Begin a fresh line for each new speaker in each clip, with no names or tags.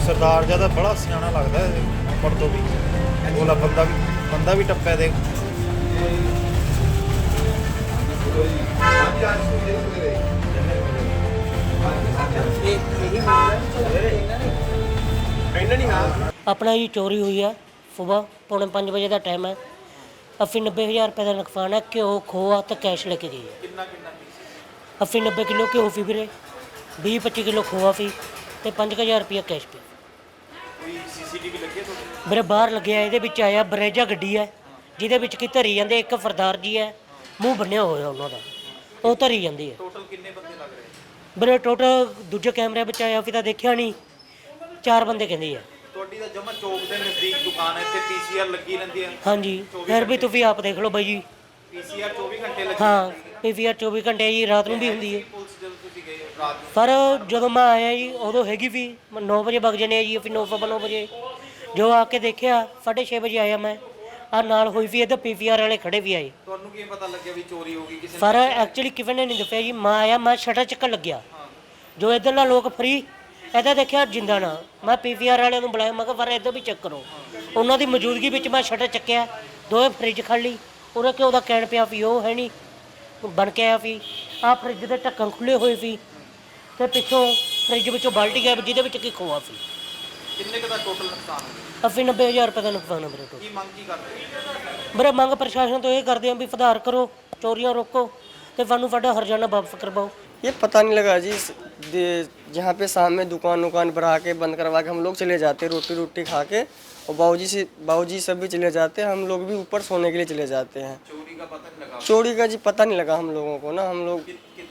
सरदार जिहा तां बड़ा सियाना लगदा है उम्र तो भी। बोला बंदा भी टप्पा देख।
अपना जी चोरी हुई है सुबह 4:45 बजे का टाइम है। 80-90 हज़ार रुपये का नुकसान है। घ्यो खोआ तो कैश लेके गई है। 80-90 किलो घ्यो फी फिर 20-25 किलो खोआ फी तो 5,000 रुपया कैश पे। मेरे बाहर लगे ये आया बरेजा गड्डी है जिहदे विच की धरी जाते। एक सरदार जी है मूँह बन्निया होया उन्होंने वो धरी जाती है। मेरे टोटल दूजे कैमरे में आया फिर देखा नहीं 4 बंदे कहते हैं। हाँ जी फिर भी तुम आप देख लो बाई जी। हाँ PCR 24 घंटे जी रात में भी होंगी है। पर जो मैं आया जी उदों हैगी भी 9 बजे वग जाने जी। फिर 9 बजे जो आके देखा 6:30 बजे आया मैं आ नाल हुई भी इधर PVR वाले खड़े भी आए। पर एक्चुअली किसी ने नहीं दसिया जी। मैं आया मैं शटर चक्कर लग्या जो इधरला लोग फ्री इधर देखा जिंदा ना। मैं PVR वाले बुलाया मैं पर इधर भी चेक करो। उन्होंने मौजूदगी में मैं शटर चक्या 2 फ्रिज खड़ ली उन्हें घ्यो का कैन पिया फी वो है नहीं बन के आया फी। आ फ्रिज के ढक्कन खुले हुए फी तो पिछों फ्रिज में बाल्टी गया जिद की खोआ फी। 80-90 हज़ार रुपये का नुकसान है मेरे को। मेरा मंग प्रशासन तो ये करते हैं भी सुधार करो चोरियां रोको तो सानू साडा हरजाना वापस करवाओ।
ये पता नहीं लगा जी। जहाँ पे शाम में दुकान पर आके बंद करवा के हम लोग चले जाते रोटी खा के और बाबूजी सब भी चले जाते हैं। हम लोग भी ऊपर सोने के लिए चले जाते हैं। चोरी का जी पता नहीं लगा हम लोगों को ना। हम लोग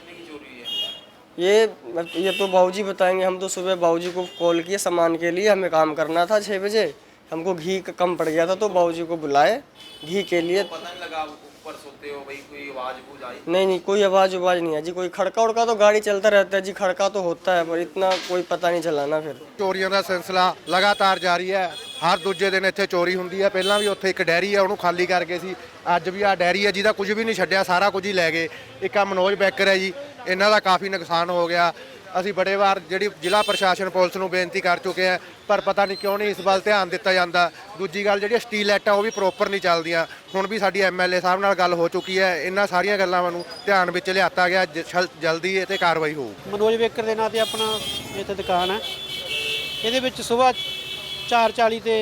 ये तो बाबूजी बताएंगे। हम तो सुबह बाबूजी को कॉल किए सामान के लिए। हमें काम करना था 6 बजे। हमको घी कम पड़ गया था तो बाबूजी को बुलाए घी के लिए।
पता नहीं लगा ऊपर सोते हो भाई कोई आवाज आई?
नहीं कोई आवाज नहीं है जी। कोई खड़का उड़का तो गाड़ी चलता रहता है जी। खड़का तो होता है पर इतना कोई पता नहीं चला ना। फिर
ਚੋਰੀਆਂ ਦਾ ਸਿਲਸਿਲਾ ਲਗਾਤਾਰ ਜਾਰੀ ਹੈ। ਹਰ ਦੂਜੇ ਦਿਨ ਇੱਥੇ ਚੋਰੀ ਹੁੰਦੀ ਹੈ। ਪਹਿਲਾਂ ਵੀ ਉੱਥੇ ਇੱਕ ਡੈਰੀ ਹੈ ਉਹਨੂੰ ਖਾਲੀ ਕਰਕੇ ਸੀ। ਅੱਜ ਵੀ ਆ ਡੈਰੀ ਹੈ ਜਿਹਦਾ ਕੁਝ ਵੀ ਨਹੀਂ ਛੱਡਿਆ ਸਾਰਾ ਕੁਝ ਹੀ ਲੈ ਗਏ। ਇੱਕ ਆ ਮਨੋਜ ਬੈਕਰ ਹੈ ਜੀ ਇਹਨਾਂ ਦਾ ਕਾਫੀ ਨੁਕਸਾਨ ਹੋ ਗਿਆ। ਅਸੀਂ ਬੜੇ ਵਾਰ ਜਿਹੜੀ ਜ਼ਿਲ੍ਹਾ ਪ੍ਰਸ਼ਾਸਨ ਪੁਲਿਸ ਨੂੰ ਬੇਨਤੀ ਕਰ ਚੁੱਕੇ ਹਾਂ ਪਰ ਪਤਾ ਨਹੀਂ ਕਿਉਂ ਨਹੀਂ ਇਸ ਵੱਲ ਧਿਆਨ ਦਿੱਤਾ ਜਾਂਦਾ। ਦੂਜੀ ਗੱਲ ਜਿਹੜੀ ਸਟੀਲ ਲਾਈਟਾਂ ਉਹ ਵੀ ਪ੍ਰੋਪਰ ਨਹੀਂ ਚੱਲਦੀਆਂ। ਹੁਣ ਵੀ ਸਾਡੀ MLA ਸਾਹਿਬ ਨਾਲ ਗੱਲ ਹੋ ਚੁੱਕੀ ਹੈ। ਇਹਨਾਂ ਸਾਰੀਆਂ ਗੱਲਾਂ ਨੂੰ ਧਿਆਨ ਵਿੱਚ ਲਿਆਤਾ ਗਿਆ। ਜਲਦੀ ਇਹ 'ਤੇ ਕਾਰਵਾਈ ਹੋਊ।
ਮਨੋਜ ਬੇਕਰ ਦੇ ਨਾਂ 'ਤੇ ਆਪਣਾ ਇੱਥੇ ਦੁਕਾਨ ਹੈ। ਇਹਦੇ ਵਿੱਚ ਸਵੇਰ 4:40 ਤੇ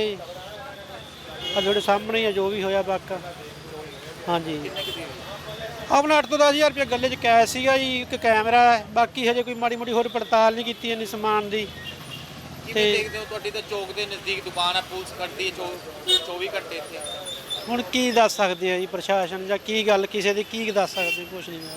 ਆ ਤੁਹਾਡੇ ਸਾਹਮਣੇ ਹੀ ਜੋ ਵੀ ਹੋਇਆ ਵਾਕਾ। ਹਾਂਜੀ ਆਪਣਾ 8 ਤੋਂ 10 ਹਜ਼ਾਰ ਰੁਪਏ ਗੱਲੇ 'ਚ ਕੈਸ਼ ਸੀਗਾ ਜੀ। ਇੱਕ ਕੈਮਰਾ ਹੈ ਬਾਕੀ ਹਜੇ ਕੋਈ ਮਾੜੀ ਮੋਟੀ ਹੋਰ ਪੜਤਾਲ ਨਹੀਂ ਕੀਤੀ ਇੰਨੀ ਸਮਾਨ ਦੀ।
ਤੇ ਦੇਖਦੇ ਹੋ ਤੁਹਾਡੀ ਤਾਂ ਚੌਕ ਦੇ ਨਜ਼ਦੀਕ ਦੁਕਾਨ ਹੈ ਪੁਲਿਸ ਕੱਢਦੀ ਹੈ 24 ਘੰਟੇ ਇੱਥੇ।
ਹੁਣ ਕੀ ਦੱਸ ਸਕਦੇ ਆ ਜੀ ਪ੍ਰਸ਼ਾਸਨ ਜਾਂ ਕੀ ਗੱਲ ਕਿਸੇ ਦੀ ਕੀ ਦੱਸ ਸਕਦੇ ਕੁਛ ਨਹੀਂ।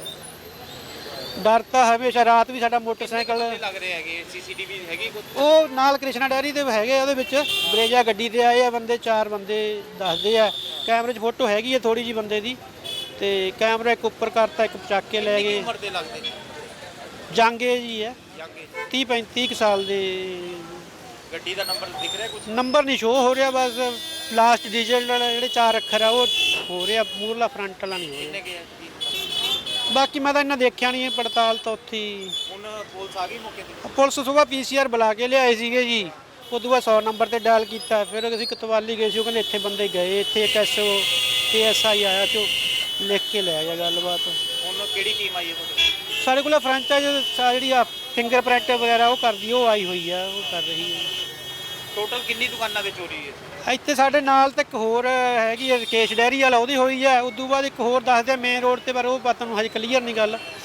ਡਰ ਤਾਂ ਹਮੇਸ਼ਾ ਰਾਤ ਵੀ ਸਾਡਾ ਮੋਟਰਸਾਈਕਲ
ਲੱਗ ਰਹੇ ਹੈਗੇ CCTV ਹੈਗੀ
ਉਹ ਨਾਲ ਕ੍ਰਿਸ਼ਨਾ ਡੈਰੀ ਦੇ ਹੈਗੇ। ਉਹਦੇ ਵਿੱਚ ਬਰੇਜਾ ਗੱਡੀ ਤੇ ਆਏ ਆ ਬੰਦੇ 4 ਬੰਦੇ ਦੱਸਦੇ ਆ। ਕੈਮਰੇ 'ਚ ਫੋਟੋ ਹੈਗੀ ਹੈ ਥੋੜੀ ਜੀ ਬੰਦੇ ਦੀ ਤੇ ਕੈਮਰਾ ਇੱਕ ਉੱਪਰ ਕਰਤਾ ਇੱਕ ਚੱਕ ਕੇ ਲੈ ਗਏ।
ਉਮਰ ਦੇ ਲੱਗਦੇ ਨੇ
ਜਾਂਗੇ ਜੀ ਹੈ 30-35 ਸਾਲ ਦੇ।
ਗੱਡੀ ਦਾ ਨੰਬਰ ਦਿਖ ਰਿਹਾ ਕੁਝ?
ਨੰਬਰ ਨਹੀਂ ਸ਼ੋ ਹੋ ਰਿਹਾ ਬਸ ਲਾਸਟ ਡਿਜੀਟਲ ਜਿਹੜੇ 4 ਅੱਖਰ ਆ ਉਹ ਹੋ ਰਿਹਾ ਮੂਰਲਾ ਫਰੰਟ ਵਾਲਾ ਨਹੀਂ ਹੋ ਰਿਹਾ। ਬਾਕੀ ਮੈਂ ਤਾਂ ਇਹਨਾਂ ਦੇਖਿਆ ਨਹੀਂ ਪੜਤਾਲ ਤਾਂ ਉੱਥੇ
ਹੁਣ ਪੁਲਿਸ ਆ ਗਈ ਮੌਕੇ ਤੇ?
ਪੁਲਿਸ ਸੁਬਾਹ PCR ਬੁਲਾ ਕੇ ਲਿਆਏ ਸੀਗੇ ਜੀ। ਉਦੋਂ ਬਾਅਦ 100 ਨੰਬਰ ਤੇ ਡਾਇਲ ਕੀਤਾ। ਫਿਰ ਅਸੀਂ ਕਤਵਾਲੀ ਗਏ ਸੀ ਉਹ ਕਹਿੰਦੇ ਇੱਥੇ ਬੰਦੇ ਗਏ। ਇੱਥੇ ਇੱਕ SO ASI ਆਇਆ ਚੋ ਲਿਖ ਕੇ ਲੈ ਗਿਆ ਗੱਲਬਾਤ।
ਹੁਣ ਕਿਹੜੀ ਟੀਮ ਆਈ ਹੈ ਤੁਹਾਡੇ?
ਸਾਡੇ ਕੋਲ ਫਰੈਂਚਾਈਜ਼ ਜਿਹੜੀ ਆ ਫਿੰਗਰਪ੍ਰਿੰਟ ਵਗੈਰਾ ਉਹ ਕਰਦੀ ਉਹ ਆਈ ਹੋਈ ਆ ਉਹ ਕਰ ਰਹੀ ਹੈ।
ਟੋਟਲ ਕਿੰਨੀ ਦੁਕਾਨਾਂ ਤੇ ਚੋਰੀ ਹੈ
ਇੱਥੇ ਸਾਡੇ ਨਾਲ ਤੇ ਇੱਕ ਹੋਰ ਹੈਗੀ ਹੈ ਰਕੇਸ਼ ਡੈਰੀ ਵਾਲਾ ਉਹਦੀ ਹੋਈ ਹੈ। ਉਦੋਂ ਬਾਅਦ ਇੱਕ ਹੋਰ ਦੱਸਦੇ ਮੇਨ ਰੋਡ ਤੇ ਪਰ ਉਹ ਪਤਾ ਨੂੰ ਹਜੇ ਕਲੀਅਰ ਨਹੀਂ ਗੱਲ।